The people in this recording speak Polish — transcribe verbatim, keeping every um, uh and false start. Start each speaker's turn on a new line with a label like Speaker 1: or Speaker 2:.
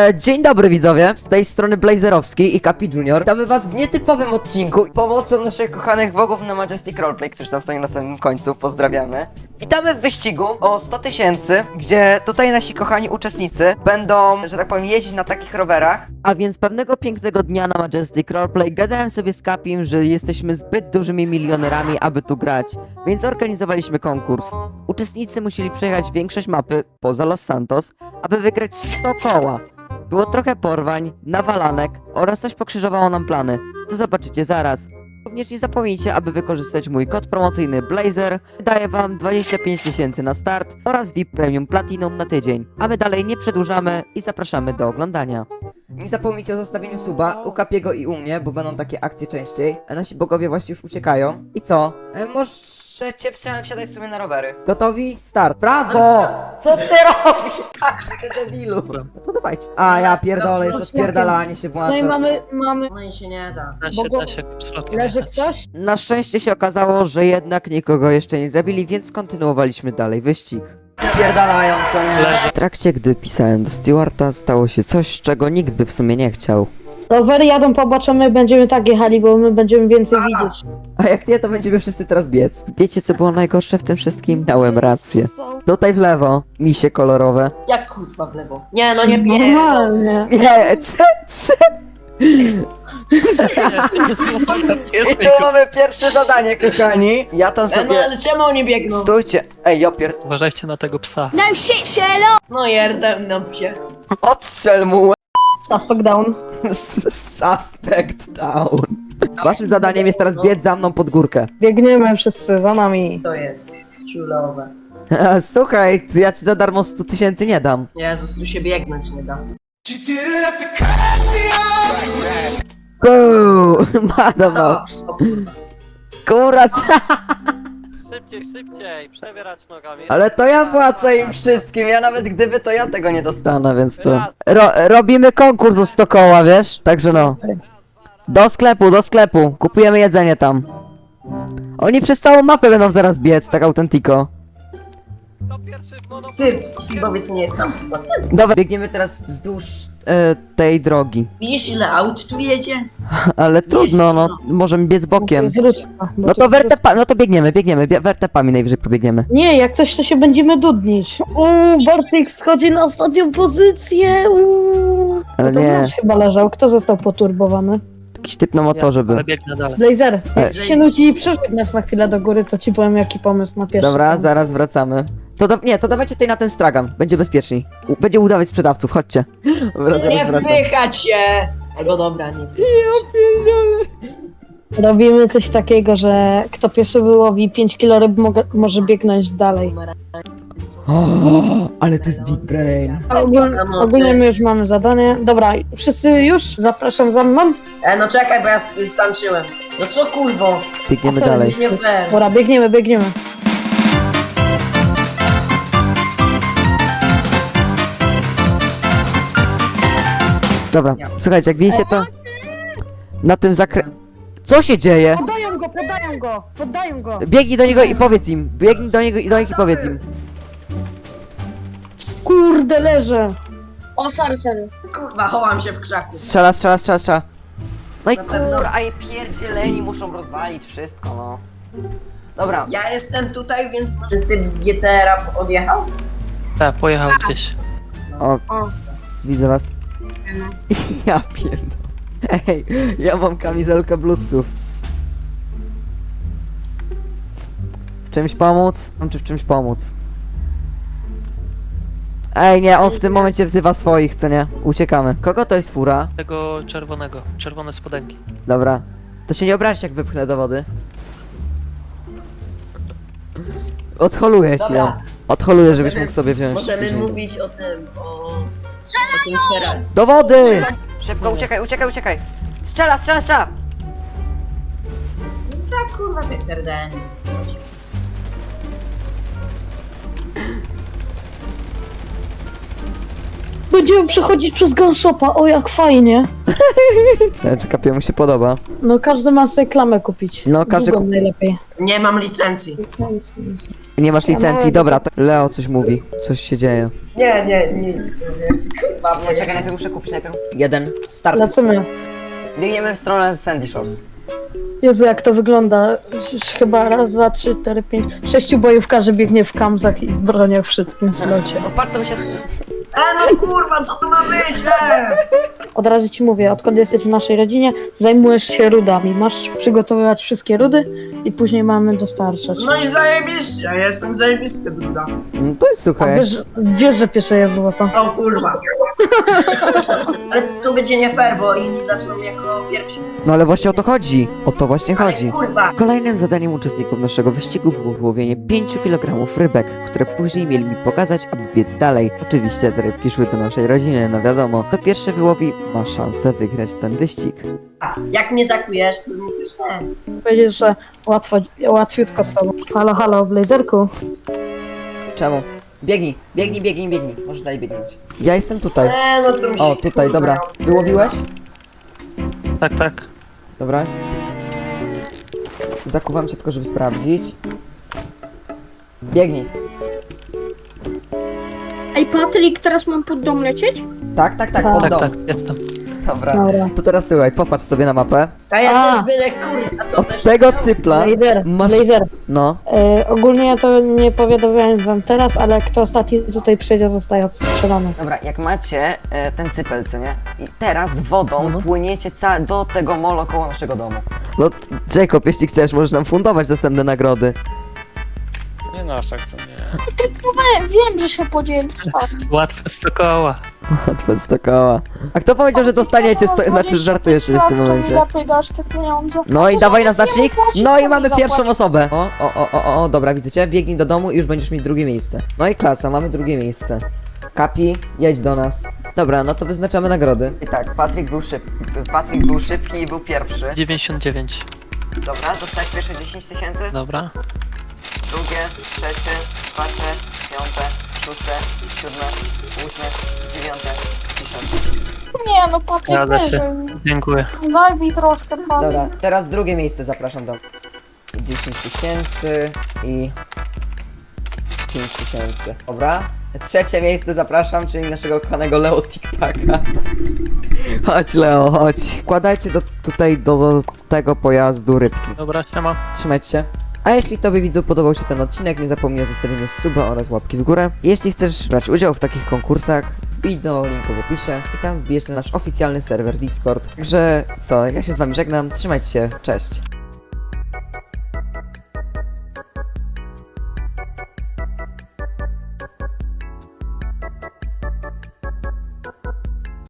Speaker 1: E, dzień dobry widzowie, z tej strony Blazerowski i Kapi Junior. Witamy was w nietypowym odcinku pomocą naszych kochanych bogów na Majestic Roleplay, którzy tam stoją na samym końcu, pozdrawiamy. Witamy w wyścigu o sto tysięcy, gdzie tutaj nasi kochani uczestnicy będą, że tak powiem, jeździć na takich rowerach. A więc pewnego pięknego dnia na Majestic Roleplay gadałem sobie z Kapim, że jesteśmy zbyt dużymi milionerami, aby tu grać, więc zorganizowaliśmy konkurs. Uczestnicy musieli przejechać większość mapy, poza Los Santos, aby wygrać sto koła. Było trochę porwań, nawalanek oraz coś pokrzyżowało nam plany, co zobaczycie zaraz. Również nie zapomnijcie, aby wykorzystać mój kod promocyjny Blazer. Daję wam dwadzieścia pięć tysięcy na start oraz V I P Premium Platinum na tydzień. A my dalej nie przedłużamy i zapraszamy do oglądania. Nie zapomnijcie o zostawieniu suba u Kapiego i u mnie, bo będą takie akcje częściej. A nasi bogowie właśnie już uciekają. I co? E, możecie wsi- wsiadać sobie na rowery. Gotowi? Start. Brawo! Co ty robisz? Ty debilu. No to dawajcie. A ja pierdolę, już rozpierdalanie się włącza.
Speaker 2: No i mamy, mamy...
Speaker 3: No i się nie da.
Speaker 4: Da się,
Speaker 2: Bogu-
Speaker 4: da się absolutnie
Speaker 2: Leży
Speaker 4: jechać.
Speaker 2: ktoś?
Speaker 1: Na szczęście się okazało, że jednak nikogo jeszcze nie zabili, więc kontynuowaliśmy dalej wyścig. Pierdalają, co nie?
Speaker 4: Leży.
Speaker 1: W trakcie, gdy pisałem do Stewarta, stało się coś, czego nikt by w sumie nie chciał.
Speaker 2: Rowery jadą po boczu, my będziemy tak jechali, bo my będziemy więcej widzieć.
Speaker 1: A jak nie, to będziemy wszyscy teraz biec. Wiecie, co było najgorsze w tym wszystkim? Miałem rację. Tutaj w lewo, misie kolorowe.
Speaker 3: Jak kurwa w lewo? Nie, no nie pierdol.
Speaker 2: Normalnie.
Speaker 1: Nie, cze, cze. I tu mamy pierwsze zadanie, kochani. Ja tam
Speaker 3: E, no
Speaker 1: sobie...
Speaker 3: ale czemu oni biegną?
Speaker 1: Stójcie. Ej, Jopier,
Speaker 4: Uważajcie na tego psa.
Speaker 3: No jerdem na psie.
Speaker 1: odstrzel mu.
Speaker 2: Suspect down.
Speaker 1: Suspect down. Waszym zadaniem jest teraz biec za mną pod górkę.
Speaker 2: Biegniemy wszyscy za nami.
Speaker 3: To jest ciulowe.
Speaker 1: Słuchaj, ja ci za darmo sto tysięcy nie dam.
Speaker 3: Jezus, tu się biegnąć nie da.
Speaker 1: Buu, madam no.
Speaker 3: O,
Speaker 1: Kuracz.
Speaker 4: Szybciej, szybciej, przebierać nogami.
Speaker 1: Ale to ja płacę im wszystkim, ja nawet gdyby to ja tego nie dostanę, więc to... Ro robimy konkurs o sto koła, wiesz? Także no. Do sklepu, do sklepu, kupujemy jedzenie tam. Oni przez całą mapę będą zaraz biec, tak autentiko.
Speaker 4: To pierwszy w mono...
Speaker 3: Ty, Fibowiec nie jest tam przypadkiem.
Speaker 1: Dobra, biegniemy teraz wzdłuż e, tej drogi.
Speaker 3: Widzisz ile aut tu jedzie?
Speaker 1: Ale trudno, no, możemy biec bokiem.
Speaker 2: Z Ruska, bo
Speaker 1: No
Speaker 2: to
Speaker 1: to
Speaker 2: z
Speaker 1: wertepa, no to biegniemy, biegniemy, bie- wertepami najwyżej pobiegniemy.
Speaker 2: Nie, jak coś to się będziemy dudnić. Uuu, Bartek schodzi na ostatnią pozycję. Uuu.
Speaker 1: Ale
Speaker 2: No to
Speaker 1: nie,
Speaker 2: nasz chyba leżał. Kto został poturbowany?
Speaker 1: jakiś typ na motorze był.
Speaker 4: Ale biegnę dalej.
Speaker 2: Blazer, jak
Speaker 1: E.
Speaker 2: ci się nudzi i przerzuć nas na chwilę do góry, to ci powiem jaki pomysł na pierwszy.
Speaker 1: Dobra,
Speaker 2: tam.
Speaker 1: zaraz wracamy. To do, nie, to dawajcie tutaj na ten stragan, będzie bezpieczniej. U, będzie udawać sprzedawców, chodźcie. Dobra, zaraz
Speaker 3: Nie
Speaker 1: wracam.
Speaker 3: wpychać się! Albo dobra, nie chcę.
Speaker 2: Robimy coś takiego, że kto pierwszy wyłowi pięć kilo ryb mogę, może biegnąć dalej.
Speaker 1: O, ale to jest big brain.
Speaker 2: A ogólnie, ogólnie my już mamy zadanie. Dobra, wszyscy już? Zapraszam za mną.
Speaker 3: E, no czekaj, bo ja stańczyłem. No co kurwo?
Speaker 1: Biegniemy
Speaker 2: A,
Speaker 1: dalej.
Speaker 3: To nie fair.
Speaker 2: Dobra, biegniemy, biegniemy.
Speaker 1: Dobra, słuchajcie, jak widzicie to... Na tym zakre... Co się dzieje?
Speaker 2: Podają go, podają go, podają go.
Speaker 1: Biegnij do niego i powiedz im. Biegnij do niego i do nich i powiedz im.
Speaker 2: Kurde, leżę.
Speaker 5: O, sorry, sorry.
Speaker 3: Kurwa, chowam się w krzaku.
Speaker 1: Strzela, strzela, strzela, strzela. No i
Speaker 3: Na pewno.
Speaker 1: kur, a je pierdzieleni muszą rozwalić wszystko, no. Dobra,
Speaker 3: Ja jestem tutaj, więc może typ z G T R-a odjechał?
Speaker 4: Tak, pojechał gdzieś.
Speaker 1: o,
Speaker 5: O.
Speaker 1: widzę was. Ja pierdolę. Ej, ja mam kamizelkę bluetooth. W czymś pomóc? Mam czy w czymś pomóc? Ej, nie, on w tym momencie wzywa swoich, co nie? Uciekamy. Kogo to jest fura?
Speaker 4: Tego czerwonego, czerwone spodenki.
Speaker 1: Dobra. To się nie obraź, jak wypchnę do wody. Odholuję się.
Speaker 3: Dobra.
Speaker 1: Odholuję, żebyś
Speaker 3: Możemy-
Speaker 1: mógł sobie wziąć.
Speaker 3: Możemy
Speaker 1: później.
Speaker 3: mówić o tym, o... o tym teraz.
Speaker 1: Do wody! Szybko, uciekaj, uciekaj, uciekaj! Strzela, strzela, strzela!
Speaker 3: Tak, kurwa, to jest R D N, nic nie chodzi.
Speaker 2: Będziemy przechodzić przez gunshopa, o jak fajnie.
Speaker 1: Czy Kapiemu się podoba?
Speaker 2: No każdy ma sobie klamę kupić.
Speaker 1: No, każdy
Speaker 2: Długą
Speaker 1: kup-
Speaker 2: najlepiej.
Speaker 3: Nie mam licencji.
Speaker 1: Nie masz licencji, dobra, to Leo coś mówi. Coś się dzieje.
Speaker 3: Nie, nie, nic. Kurwa,
Speaker 1: Nie, czekaj, najpierw muszę kupić, najpierw. Jeden, start.
Speaker 2: Lecimy.
Speaker 1: Biegniemy w stronę Sandy Shores.
Speaker 2: Jezu, jak to wygląda. Już chyba raz, dwa, trzy, cztery, pięć, sześciu bojówkarzy biegnie w kamzach i broniach w szybkim slocie.
Speaker 1: No patrz, co mi się...
Speaker 3: E, no kurwa, co to ma być, e?
Speaker 2: Od razu ci mówię, odkąd jesteś w naszej rodzinie, zajmujesz się rudami. Masz przygotowywać wszystkie rudy i później mamy dostarczać.
Speaker 3: No i zajebiście, ja jestem zajebisty, bruda.
Speaker 1: No to jest
Speaker 2: A
Speaker 1: słuchaj.
Speaker 2: wiesz, wiesz, że pierwsze jest złoto.
Speaker 3: O kurwa. Ale tu będzie nie fair, bo inni zaczną jako pierwsi.
Speaker 1: No ale właśnie o to chodzi. O to właśnie
Speaker 3: Ale
Speaker 1: chodzi.
Speaker 3: kurwa.
Speaker 1: Kolejnym zadaniem uczestników naszego wyścigu było wyłowienie pięciu kilogramów rybek, które później mieli mi pokazać, aby biec dalej. Oczywiście te rybki szły do naszej rodziny, no wiadomo. Kto pierwszy wyłowi, ma szansę wygrać ten wyścig.
Speaker 3: Jak mnie zakujesz, to mógł już ten.
Speaker 2: Powiedziesz, że łatwo, łatwiutko z tobą. Halo, halo, Blazerku.
Speaker 1: Czemu? Biegnij, biegnij, biegnij, biegnij. Możesz dalej biegnąć. Ja jestem tutaj.
Speaker 3: E, no to mi się,
Speaker 1: O, tutaj,
Speaker 3: kurwa,
Speaker 1: dobra. Wyłowiłeś?
Speaker 4: Tak, tak.
Speaker 1: Dobra. Zakuwam cię tylko, żeby sprawdzić. Biegnij.
Speaker 5: Ej, Patryk, teraz mam pod dom lecieć?
Speaker 1: Tak, tak, tak,
Speaker 2: Tak.
Speaker 1: pod
Speaker 4: Tak,
Speaker 1: dom.
Speaker 4: tak, jestem.
Speaker 1: Dobra.
Speaker 2: Dobra.
Speaker 1: To teraz słuchaj, popatrz sobie na mapę.
Speaker 3: A ja
Speaker 2: A.
Speaker 3: też byle kurwa, to
Speaker 1: Od
Speaker 3: też
Speaker 1: tego
Speaker 3: miał.
Speaker 1: cypla
Speaker 2: Blazer,
Speaker 1: masz...
Speaker 2: Blazer.
Speaker 1: No.
Speaker 2: E, ogólnie ja to nie powiadamiałem wam teraz, ale kto ostatni tutaj przyjdzie, zostaje odstrzelony.
Speaker 1: Dobra, jak macie e, ten cypel, co nie? I teraz wodą
Speaker 4: Mhm.
Speaker 1: płyniecie ca- do tego molo koło naszego domu. No, t- Jacob, jeśli chcesz, możesz nam fundować następne nagrody.
Speaker 4: Nie no, aż tak to nie.
Speaker 5: E, wiem, że się podzielisz.
Speaker 4: Łatwe sto koła.
Speaker 1: Łatwe sto koła. A kto powiedział, że dostaniecie sto... Znaczy, żartuję sobie w tym momencie.
Speaker 5: Lepiej dasz te pieniądze.
Speaker 1: No i
Speaker 5: To
Speaker 1: dawaj na
Speaker 5: zamiast
Speaker 1: znacznik.
Speaker 5: jemu płacić,
Speaker 1: No i
Speaker 5: to
Speaker 1: mamy
Speaker 5: mi
Speaker 1: pierwszą
Speaker 5: zapłać.
Speaker 1: osobę. O, o, o, o, o, dobra, widzę cię. Biegnij do domu i już będziesz mieć drugie miejsce. No i klasa, mamy drugie miejsce. Kapi, jedź do nas. Dobra, no to wyznaczamy nagrody. I tak, Patryk był szybki. Patryk był szybki i był pierwszy.
Speaker 4: dziewięćdziesiąt dziewięć.
Speaker 1: Dobra, dostałeś pierwsze dziesięć tysięcy.
Speaker 4: Dobra.
Speaker 1: Drugie, trzecie, czwarte, piąte, szóste, siódme, ósme, dziewiąte, dziesiąte.
Speaker 5: Nie, no Patryk,
Speaker 4: Zgadza
Speaker 5: weź,
Speaker 4: się. Dziękuję.
Speaker 5: daj mi troszkę, Patryk.
Speaker 1: Dobra, teraz drugie miejsce zapraszam do dziesięć tysięcy i pięć tysięcy. Dobra. Trzecie miejsce zapraszam, czyli naszego kochanego Leo TikTaka. Chodź Leo, chodź. Wkładajcie do, tutaj do tego pojazdu rybki.
Speaker 4: Dobra, siema.
Speaker 1: Trzymajcie się. A jeśli Tobie widzu podobał się ten odcinek, nie zapomnij o zostawieniu suba oraz łapki w górę. Jeśli chcesz brać udział w takich konkursach, wbij do linku w opisie i tam wbijesz na nasz oficjalny serwer Discord. Także co, ja się z Wami żegnam, trzymajcie się, cześć.